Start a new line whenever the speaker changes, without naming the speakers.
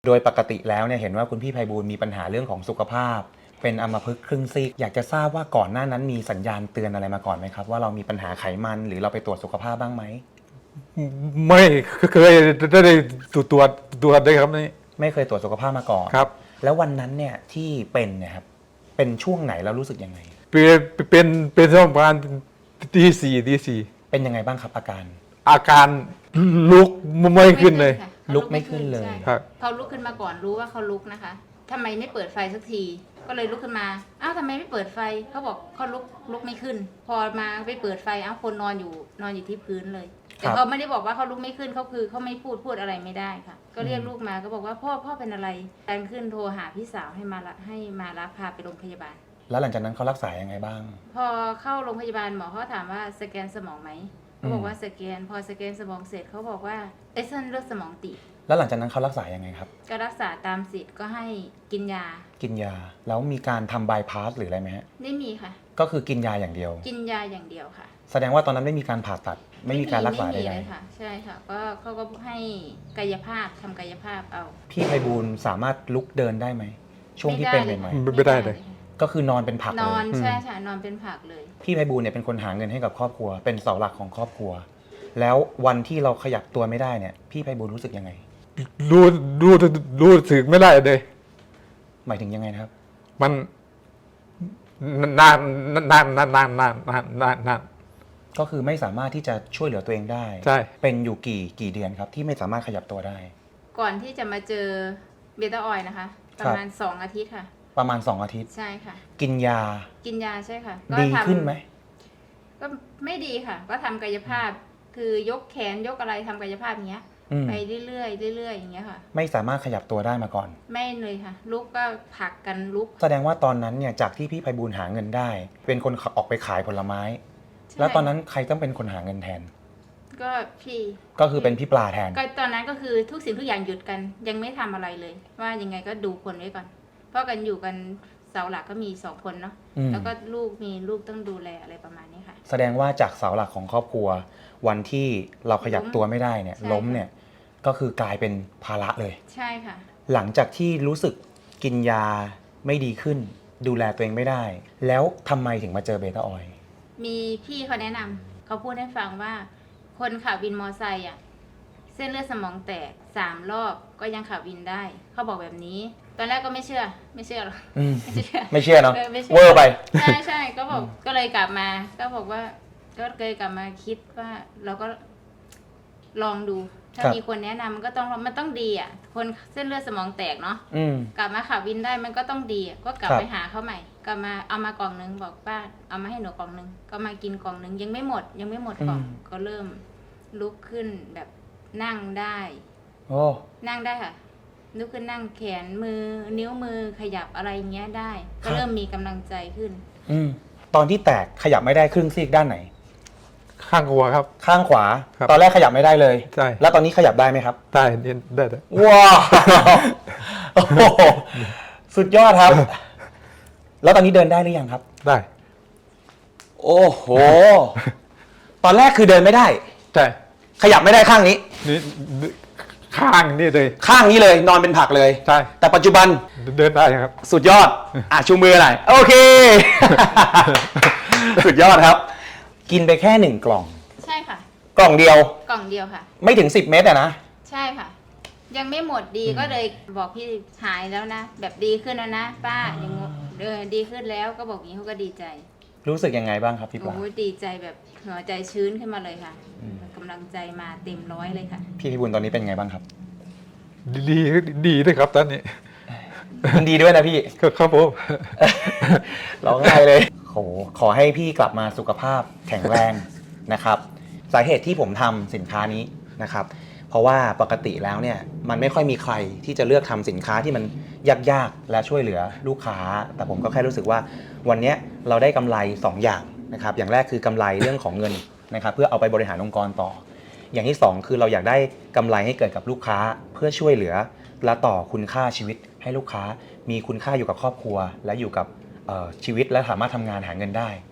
โดยปกติแล้วเนี่ยเห็นว่าคุณพี่ไพบูลย์มีปัญหาเรื่องของสุขภาพ เป็นอัมพฤกษ์ครึ่งซีกอยากจะทราบว่าก่อนหน้านั้นมีสัญญาณเตือนอะไรมาก่อนไหมครับว่าเรามีปัญหาไขมันหรือเราไปตรวจสุขภาพบ้างไหม
ไม่เคยได้ตรวจได้ครับนี่
ไม่เคยตรวจสุขภาพมาก่อน
ครับ
แล้ววันนั้นเนี่ยที่เป็นเนี่ยครับเป็นช่วงไหนแล้วรู้สึกยังไง
เป็นช่วงประมาณตีสี่
เป็นยังไงบ้างครับ
อาการลุกไม่ขึ้นเลย
ลุกไม่ขึ้นเลย
ครับ
เขาลุกขึ้นมาก่อนรู้ว่าเขาลุกนะคะทำไมไม่เปิดไฟสักทีก็เลยลุกขึ้นมาอ้าวทำไมไม่เปิดไฟเขาบอกเขาลุกไม่ขึ้น พอมาไปเปิดไฟอ้าวคนนอนอยู่ที่พื้นเลยแต่เขาไม่ได้บอกว่าเขาลุกไม่ขึ้นเขาคือเขาไม่พูดอะไรไม่ได้ค่ะก็เรียกลูกมาก็บอกว่าพ่อเป็นอะไรการขึ้นโทรหาพี่สาวให้มารับพาไปโรงพยาบาล
แล้วหลังจากนั้นเขารักษายังไงบ้าง
พอเข้าโรงพยาบาลหมอเขาถามว่าสแกนสมองไหมเขาบอกว่าสแกนพอสแกนสมองเสร็จเขาบอกว่าเส้นเลือดสมองตีบ
แล้วหลังจากนั้นเขารักษายังไงครับ
ก็รักษาตามสิทธิ์ก็ให้กินยา
แล้วมีการทำบายพาสหรืออะไรไหมฮะ
ไม่มีค่ะ
ก็คือกินยาอย่างเดียว
กินยาอย่างเดียวค่ะ
แสดงว่าตอนนั้นไม่มีการผ่าตัดไม่มีการรักษาใด
ๆค่ะใช่ค่ะก็เขาก็ให้กายภาพทำกายภาพเอา
พี่ไพบูลย์สามารถลุกเดินได้ไหมช่วงที่เป็นใหม่
ไม่ได้เลย
ก็คือนอนเป็นผักเลย
นอนใช่ค่ะนอนเป็นผักเลย
พี่ไพบูลย์เนี่ยเป็นคนหาเงินให้กับครอบครัวเป็นเสาหลักของครอบครัวแล้ววันที่เราขยับตัวไม่ได้เนี่ยพี่ไพบูลย์รู้สึกยังไง
รู้สึกไม่ได้เลย
หมายถึงยังไงนะครับ
มันนาน
ก็คือไม่สามารถที่จะช่วยเหลือตัวเองได้
ใช่
เป็นอยู่กี่เดือนครับที่ไม่สามารถขยับตัวได้
ก่อนที่จะมาเจอเบต้าออยล์นะคะประมาณ2 อาทิตย์ค่ะ
ประมาณ2 อาทิตย์
ใช่ค่ะ
กินยา
ใช่ค่ะ
ดีขึ้นไหม
ก็ไม่ดีค่ะก็ทำกายภาพคือยกแขนยกอะไรทำกายภาพอย่างเงี้ยไปเรื่อยๆอย่างเงี้ยค่ะ
ไม่สามารถขยับตัวได้มาก่อน
ไม่เลยค่ะลุกก็ผลักกันลุก
แสดงว่าตอนนั้นเนี่ยจากที่พี่ไพบูลย์หาเงินได้เป็นคนออกไปขายผลไม้แล้วตอนนั้นใครต้องเป็นคนหาเงินแทน
ก็พี่
ก็คือเป็นพี่ปลาแทน
ก็ตอนนั้นก็คือทุกสิ่งทุกอย่างหยุดกันยังไม่ทำอะไรเลยว่ายังไงก็ดูคนไว้ก่อนเพราะกันอยู่กันเสาหลักก็มี2 คนเนาะแล้วก็มีลูกต้องดูแลอะไรประมาณนี้ค่ะ
แสดงว่าจากเสาหลักของครอบครัววันที่เราขยับตัวไม่ได้เนี่ยล้มเนี่ยก็คือกลายเป็นภาระเลย
ใช่ค่ะ
หลังจากที่รู้สึกกินยาไม่ดีขึ้นดูแลตัวเองไม่ได้แล้วทำไมถึงมาเจอเบต้าออยล์
มีพี่เขาแนะนำเขาพูดให้ฟังว่าคนขับวินมอไซค์อ่ะเส้นเลือดสมองแตก3 รอบก็ยังขับวินได้เขาบอกแบบนี้ตอนแรกก็ไม่เชื่อหรอก
ไม่เชื่อเนาะเวอร์ไป
ใช่ก็บอกก็เลยกลับมาก็บอกว่าก็เลยกลับมาคิดว่าเราก็ลองดูถ้ามีคนแนะนำมันต้องดีอ่ะคนเส้นเลือดสมองแตกเนาะกลับมาขับวินได้มันก็ต้องดีก็กลับไปหาเขาใหม่กลับมาเอามากล่องนึงบอกป้าเอามาให้หนูกล่องนึงก็มากินกล่องนึงยังไม่หมดกล่องก็เริ่มลุกขึ้นแบบนั่งได้นั่งได้ค่ะลุกขึ้นนั่งแขนมือนิ้วมือขยับอะไรเงี้ยได้ก็เริ่มมีกำลังใจขึ้น
ตอนที่แตกขยับไม่ได้ครึ่งซีกด้านไหน
ข้างขวาครับ
ข้างขวาตอนแรกขยับไม่ได้เลย
ใช่
แล้วตอนนี้ขยับได้ไหมครับ
ได้
ว้าวสุดยอดครับแล้วตอนนี้เดินได้หรือยังครับ
ได้
โอ้โหตอนแรกคือเดินไม่ได้
ใช่
ขยับไม่ได้ข้างนี้
นี่ข้างนี่เลย
ข้างนี้เลยนอนเป็นผักเลย
ใช่
แต่ปัจจุบัน
เดินได้ครับ
สุดยอดชูมือหน่อยโอเคสุดยอดครับกินไปแค่1 กล่อง
ใช่ค่ะ
กล่องเดียว
ค่ะ
ไม่ถึง10 เม็ดอะนะ
ใช่ค่ะยังไม่หมดดีก็เลยบอกพี่หายแล้วนะแบบดีขึ้นแล้วนะป้าอย่างดีขึ้นแล้วก็บอกอย่างนี้เขาก็ดีใจ
รู้สึกยังไงบ้างครับพี่ปลา
โอ้ดีใจแบบหัวใจชื้นขึ้นมาเลยค่ะกำลังใจมาเต็ม100เลยค่ะ
พี่พิบูลย์ตอนนี้เป็นไงบ้างครับ
ดีเลยครับตอนนี้
ดีด้วยนะพี่
ครับผม
ร้องไห้เลยขอให้พี่กลับมาสุขภาพแข็งแรงนะครับสาเหตุที่ผมทำสินค้านี้นะครับเพราะว่าปกติแล้วเนี่ยมันไม่ค่อยมีใครที่จะเลือกทำสินค้าที่มันยากๆและช่วยเหลือลูกค้าแต่ผมก็แค่รู้สึกว่าวันนี้เราได้กำไร2 อย่างนะครับอย่างแรกคือกำไรเรื่องของเงินนะครับเพื่อเอาไปบริหารองค์กรต่ออย่างที่2คือเราอยากได้กำไรให้เกิดกับลูกค้าเพื่อช่วยเหลือและต่อคุณค่าชีวิตให้ลูกค้ามีคุณค่าอยู่กับครอบครัวและอยู่กับชีวิตและสามารถทำงานหาเงินได้